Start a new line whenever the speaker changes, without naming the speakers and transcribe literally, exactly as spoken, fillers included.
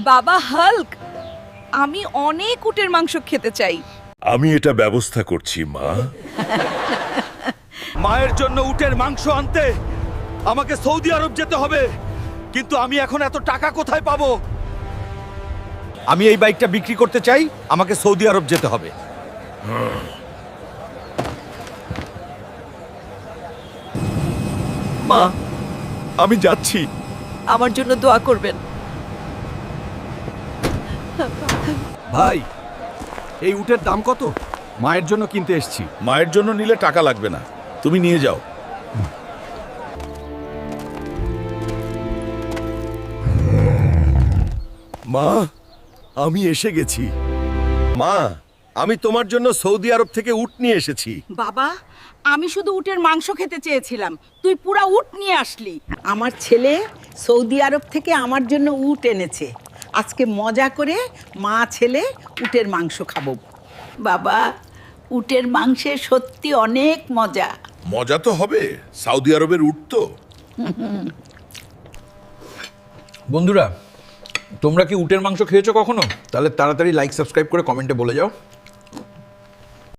বাবা হাল্ক, আমি অনেক উটের মাংস খেতে চাই।
আমি এটা ব্যবস্থা করছি মা।
মায়ের জন্য উটের মাংস আনতে আমাকে সৌদি আরব যেতে হবে, কিন্তু আমি এখন এত টাকা কোথায় পাবো? আমি এই বাইকটা বিক্রি করতে চাই, আমাকে সৌদি আরব যেতে হবে।
মা,
আমি যাচ্ছি।
আমার জন্য দোয়া করবেন।
ভাই, এই উটের দাম কত? মায়ের জন্য কিনতে এসেছি।
মায়ের জন্য নিলে টাকা লাগবে না, তুমি নিয়ে যাও।
মা, আমি এসে গেছি। মা, আমি তোমার জন্য সৌদি আরব থেকে উট নিয়ে এসেছি।
বাবা, আমি শুধু উটের মাংস খেতে চেয়েছিলাম, তুই পুরা উট নিয়ে আসলি। আমার ছেলে সৌদি আরব থেকে আমার জন্য উট এনেছে। আজকে মজা করে মা ছেলে উটের মাংস খাবো। বাবা, উটের মাংসে সত্যি অনেক মজা।
মজা তো হবে, সৌদি আরবের উট তো।
বন্ধুরা, তোমরা কি উটের মাংস খেয়েছো কখনো? তাহলে তাড়াতাড়ি লাইক সাবস্ক্রাইব করে কমেন্টে বলে যাও।